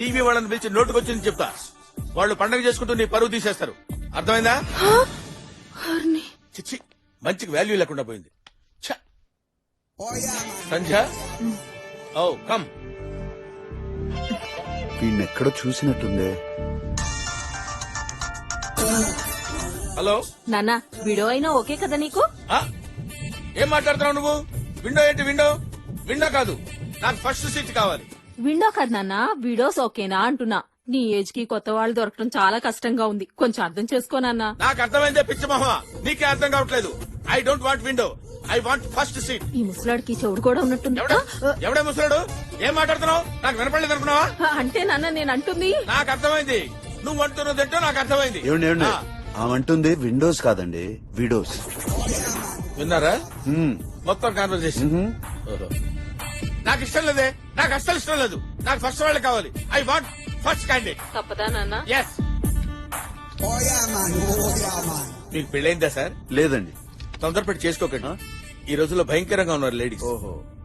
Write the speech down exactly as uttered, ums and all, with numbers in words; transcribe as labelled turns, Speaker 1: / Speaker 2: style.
Speaker 1: TV వాళ్ళని పిలిచి నోటుకొచ్చింది చెప్తా. వాళ్ళు పండగ చేసుకుంటూ నీ పరువు తీసేస్తారు. అర్థమైందా? చిచ్చి, మంచికి వాల్యూ లేకుండా పోయింది. ఛ! Sandhya, oh come.
Speaker 2: వీణెక్కడో చూసినట్టుందే.
Speaker 1: హలో
Speaker 3: నాన్న, విడో అయినా ఓకే కదా నీకు?
Speaker 1: ఆ? ఏం మాట్లాడుతున్నావు నువ్వు? విండో ఏంటి విండో? విండో కాదు, నాకు ఫస్ట్ సీట్ కావాలి.
Speaker 3: విండో కదా నాన్న, విడోస్ ఓకేనా అంటున్నా. నీ ఏజ్ కి కొత్త వాళ్ళు దొరకడం చాలా కష్టంగా ఉంది, కొంచెం అర్థం చేసుకోనన్నా.
Speaker 1: నాకు అర్థమైందే పిచ్చి మొహ, నీకే అర్థం కావట్లేదు. I don't want window, I want first seat.
Speaker 3: ఈ ముసలాడికి చెవుడు కూడా ఉన్నట్టుంది.
Speaker 1: ఎవడా ఎవడే ముసలాడు? ఏం మాట్లాడుతున్నావు? నాకు వినపడలేదు అనుకున్నావా?
Speaker 3: అంటే నాన్న నేను అంటుంది.
Speaker 1: నాకు అర్థమైంది, నువ్వు అంటున్నదంటో నాకు అర్థమైంది.
Speaker 2: ఏమండి ఏమండి
Speaker 1: ఆ,
Speaker 2: ఆమంటుంది విండోస్ కాదండి, విడోస్.
Speaker 1: విన్నారా
Speaker 2: హ్మ్.
Speaker 1: మొత్తం కాన్వర్సేషన్?
Speaker 2: మ్మ్.
Speaker 1: నాకు ఇష్టం లేదే, నాకు అస్సలు ఇష్టం లేదు. నాకు ఫస్ట్ వాళ్ళే కావాలి. I want first candidate.
Speaker 3: తప్పదా నాన్న?
Speaker 1: ఎస్. మీకు పెళ్ళైందా సార్?
Speaker 2: లేదండి.
Speaker 1: తొందరపడి చేసుకోకండి. ఈ రోజుల్లో భయంకరంగా ఉన్నారు లేడీస్.
Speaker 2: ఓహో.